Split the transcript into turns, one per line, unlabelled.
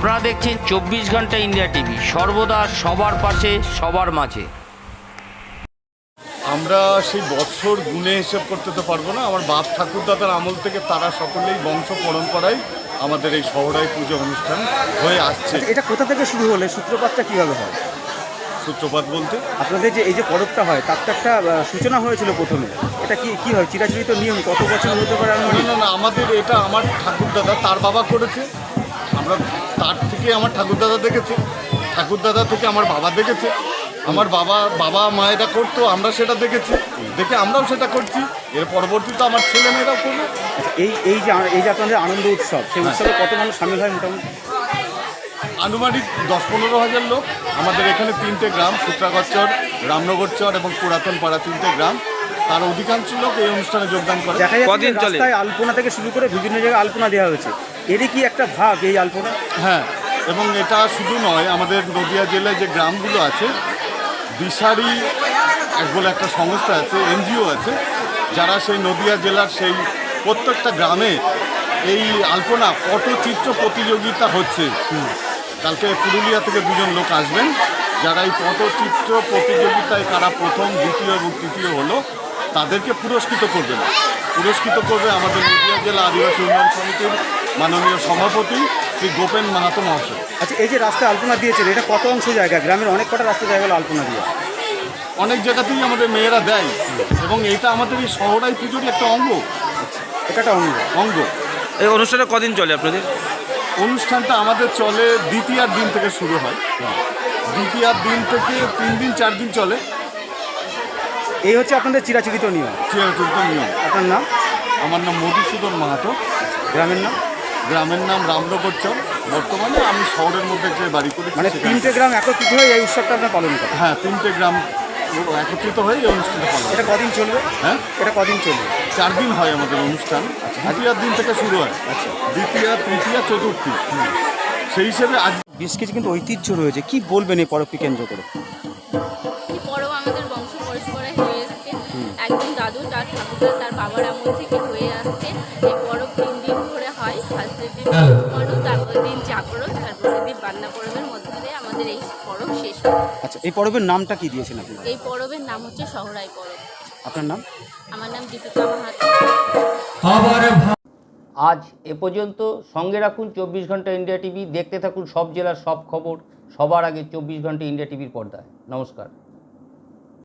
আপনারা দেখছেন 24 ঘন্টা ইন্ডিয়া টিভি, সর্বদা সবার পাশে সবার মাঝে।
আমরা সেই বৎসর গুণে হিসেব করতে তো পারবো না। আমার বাপ ঠাকুরদাদার আমল থেকে তারা সকলেই বংশ পরম্পরায় আমাদের এই শহরাই পুজো অনুষ্ঠান হয়ে আসছে।
এটা কোথা থেকে শুরু হলে সূত্রপাতটা কীভাবে হয়?
সূত্রপাত বলতে
আপনাদের যে এই যে পরবটা হয় তার তো একটা সূচনা হয়েছিল প্রথমে। এটা কি হয়, চিরাচরিত নিয়ম কত বছর হতে পারে?
না, আমাদের এটা আমার ঠাকুরদাদা তার বাবা করেছে, আমরা তার থেকে আমার ঠাকুরদাদা দেখেছে, ঠাকুরদাদা থেকে আমার বাবা দেখেছে, আমার বাবা মায়েরা করতো, আমরা সেটা দেখেছি, দেখে আমরাও সেটা করছি। এর পরবর্তীতে আমার ছেলে মেয়েরাও করবে।
এই যে আপনাদের আনন্দ উৎসব, সেই উৎসবে কত মানুষ সামিল হয় মোটামুটি?
আনুমানিক 10-15 হাজার লোক। আমাদের এখানে 3টে গ্রাম, সূত্রাগরচর, রামনগরচর এবং পুরাতন পাড়া, 3টে গ্রাম। তার অধিকাংশ লোক এই অনুষ্ঠানে যোগদান করে।
দেখা যাচ্ছে রাস্তায় আলপনা থেকে শুরু করে বিভিন্ন জায়গায় আলপনা দেওয়া হয়েছে, এরই কি একটা ভাগ এই আলপনা?
হ্যাঁ, এবং এটা শুধু নয়, আমাদের নদিয়া জেলায় যে গ্রামগুলো আছে, দিশারি বলে একটা সংস্থা আছে, এনজিও আছে, যারা সেই নদিয়া জেলার সেই প্রত্যেকটা গ্রামে এই আলপনা পটচিত্র প্রতিযোগিতা হচ্ছে। কালকে পুরুলিয়া থেকে 2জন লোক আসবেন, যারা এই পটচিত্র প্রতিযোগিতায় কারা প্রথম, দ্বিতীয় এবং তৃতীয় হলো তাদেরকে পুরস্কৃত করবেন। পুরস্কৃত করবে আমাদের নদিয়া জেলা আদিবাসী উন্নয়ন সমিতির মাননীয় সভাপতি শ্রী গোপেন মাহাতো মহাশয়।
আচ্ছা, এই যে রাস্তায় আলপনা দিয়েছেন, এটা কত অংশ জায়গা? গ্রামের অনেক কটা রাস্তা জায়গা আলপনা দিয়ে
অনেক জায়গাতেই আমাদের মেয়েরা দেয়, এবং এটা আমাদের এই শহরাই পুজোরই একটা অঙ্গ।
এটা একটা
অঙ্গ।
এই অনুষ্ঠানটা কদিন চলে আপনাদের?
অনুষ্ঠানটা আমাদের চলে দ্বিতীয়ার দিন থেকে শুরু হয়, দ্বিতীয়ার দিন থেকে 3 দিন 4 দিন চলে।
এই হচ্ছে আপনাদের চিরাচরিত নিয়ম।
চিরাচরিত নিয়ম।
আপনার নাম?
আমার নাম মধুসূদন মাহাতো।
গ্রামের নাম?
গ্রামের নাম রামনগরচর। বর্তমানে আমি শহরের মধ্যে যে বাড়ি করি,
মানে 3টে গ্রাম একত্রিত হয়ে এই উৎসবটা আপনার পালন করেন?
হ্যাঁ, 3টে গ্রাম একত্রিত হয়ে এই অনুষ্ঠানটা পালন।
এটা কদিন চলবে?
হ্যাঁ,
এটা কদিন চলবে?
4 দিন হয় আমাদের অনুষ্ঠান। দ্বিতীয়ার দিন থেকে শুরু হয়।
আচ্ছা,
দ্বিতীয়া, তৃতীয়া, চতুর্থী। সেই হিসেবে আজ
বেশ কিছু কিন্তু ঐতিহ্য রয়েছে, কি বলবেন এই পরবকে কেন্দ্র করে?
এই পরব আমাদের বংশ পরম্পরায় হয়ে এসছে। একদম দাদু তার ঠাকুরদা তার বাবার আমল থেকে হয়ে আসছে। এই পরব 3 দিন ধরে হয়। ফার্স্টের দিন মানু, তারপরের দিন জাগরণ, তারপরের দিন বান্না পরবের মধ্যে দিয়ে আমাদের এই পরব শেষ হয়।
আচ্ছা, এই পরবের নামটা কি দিয়েছেন আপনি?
এই পরবের নাম হচ্ছে সহরাই পরব।
আপনার নাম?
আমার নাম দীপিকা মাহাতো।
আজ এ পর্যন্ত। সঙ্গে রাখুন 24 ঘন্টা ইন্ডিয়া টিভি, দেখতে থাকুন সব জেলার সব খবর সবার আগে 24 ঘন্টা ইন্ডিয়া টিভির পর্দায়। নমস্কার।